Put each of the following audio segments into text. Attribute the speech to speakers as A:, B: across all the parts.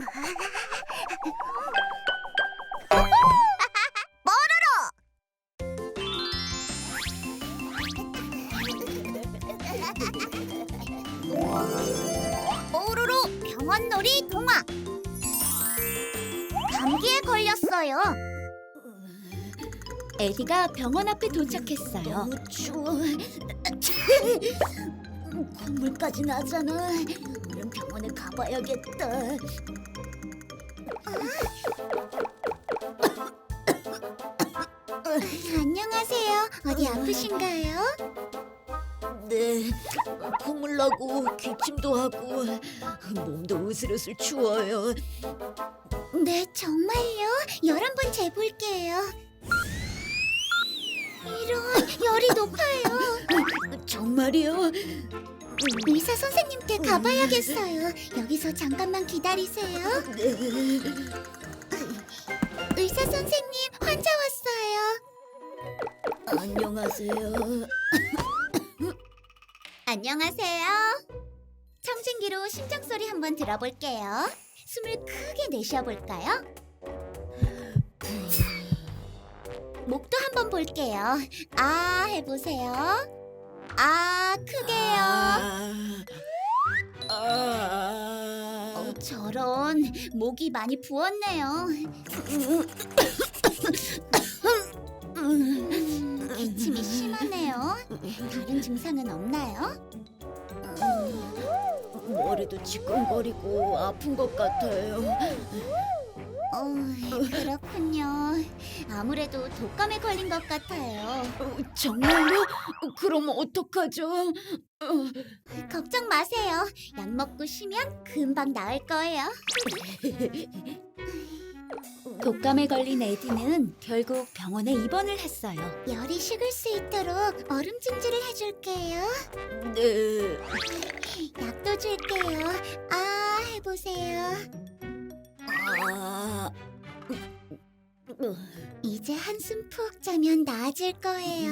A: 뽀로로 병원놀이 동화. 감기에 걸렸어요.
B: 에디가 병원 앞에 도착했어요.
A: 너무 추워. 콧물까지 나잖아. 얼른 병원에 가봐야겠다. 안녕하세요. 어디 아프신가요?
C: 네, 콧물 나고 기침도 하고 몸도 으슬으슬 추워요.
A: 네, 정말요? 열 한번 재볼게요. 이런, 열이 높아요.
C: 정말이요?
A: 의사 선생님께 가봐야겠어요. 여기서 잠깐만 기다리세요.
C: 네.
A: 의사 선생님, 환자 왔어요.
C: 안녕하세요.
A: 안녕하세요. 청진기로 심장소리 한번 들어볼게요. 숨을 크게 내쉬어볼까요? 목도 한번 볼게요. 아 해보세요. 아 크게요. 저런 목이 많이 부었네요. 기침이 심하네요. 다른 증상은 없나요?
C: 머리도 지끈거리고 아픈 것 같아요.
A: 그렇군요. 아무래도 독감에 걸린 것 같아요.
C: 정말요? 그럼 어떡하죠?
A: 걱정 마세요. 약 먹고 쉬면 금방 나을 거예요.
B: 독감에 걸린 에디는 결국 병원에 입원을 했어요.
A: 열이 식을 수 있도록 얼음 찜질을 해줄게요.
C: 네.
A: 약도 줄게요. 아 해보세요.
C: 아,
A: 이제 한숨 푹 자면 나아질 거예요.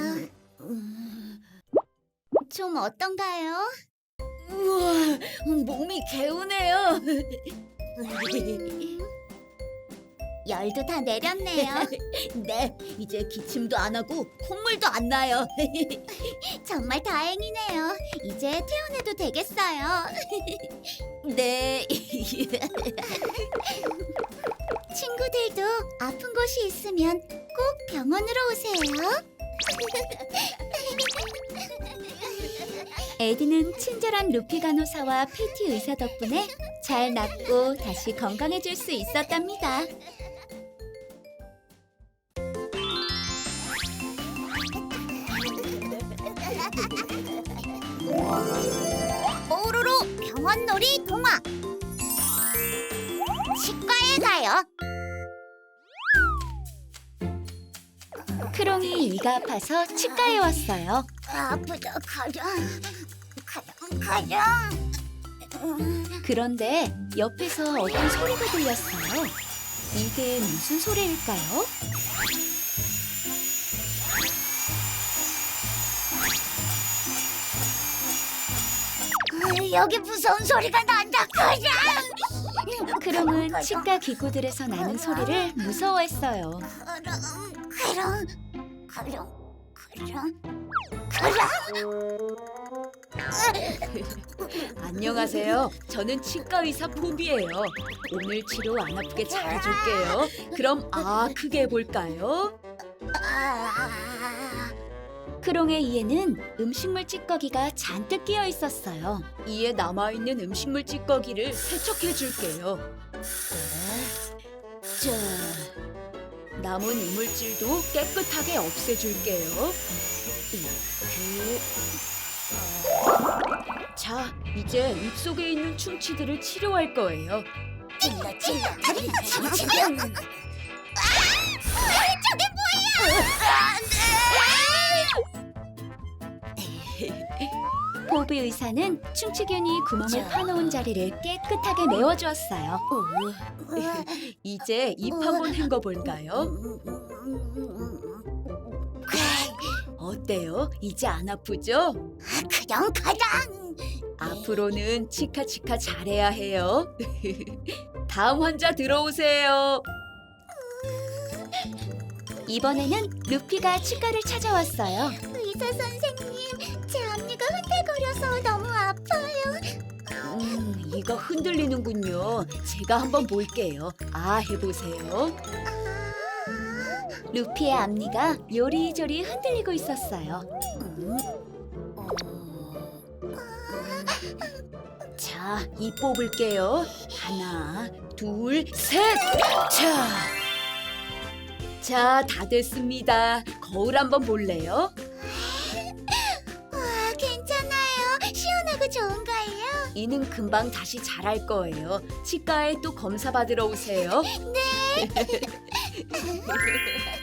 A: 좀 어떤가요?
C: 우와, 몸이 개운해요.
A: 열도 다 내렸네요.
C: 네, 이제 기침도 안 하고 콧물도 안 나요.
A: 정말 다행이네요. 이제 퇴원해도 되겠어요.
C: 네.
A: 친구들도 아픈 곳이 있으면 꼭 병원으로 오세요.
B: 에디는 친절한 루피 간호사와 PT 의사 덕분에 잘 낫고 다시 건강해질 수 있었답니다.
A: 뽀로로 병원놀이 동화. 치과에 가요.
B: 크롱이 이가 아파서 치과에 왔어요.
A: 아프다. 가자.
B: 그런데 옆에서 어떤 소리가 들렸어요. 이게 무슨 소리일까요?
A: 여기 무서운 소리가 난다. 가자.
B: 크롱은 치과 기구들에서 나는 소리를 무서워했어요.
A: 그럼.
B: 안녕하세요. 저는 치과 의사 포비예요. 오늘 치료 안 아프게 잘해줄게요. 그럼 크게 해볼까요? 크롱의 이에는 음식물 찌꺼기가 잔뜩 끼어 있었어요. 이에 남아있는 음식물 찌꺼기를 세척해줄게요. 자, 남은 이물질도 깨끗하게 없애줄게요. 이렇게. 자, 이제 입속에 있는 충치들을 치료할 거예요.
A: 찔러 다리 지금. 저게 뭐야?
B: 포비 의사는 충치균이 구멍을 파놓은 자리를 깨끗하게 메워주었어요. 이제 입 한번 헹궈볼까요? 어때요? 이제 안 아프죠?
A: 그냥 가자.
B: 앞으로는 치카치카 잘해야 해요. 다음 환자 들어오세요.
A: 이번에는 루피가 치과를 찾아왔어요. 의사 선생님, 제 앞니가 흔들거려서 너무 아파요.
B: 이가 흔들리는군요. 제가 한번 볼게요. 아, 해보세요.
A: 루피의 앞니가 요리조리 흔들리고 있었어요.
B: 자, 이 뽑을게요. 하나, 둘, 셋. 자, 다 됐습니다. 거울 한번 볼래요?
A: 와, 괜찮아요. 시원하고 좋은가요?
B: 이는 금방 다시 잘할 거예요. 치과에 또 검사 받으러 오세요.
A: 네.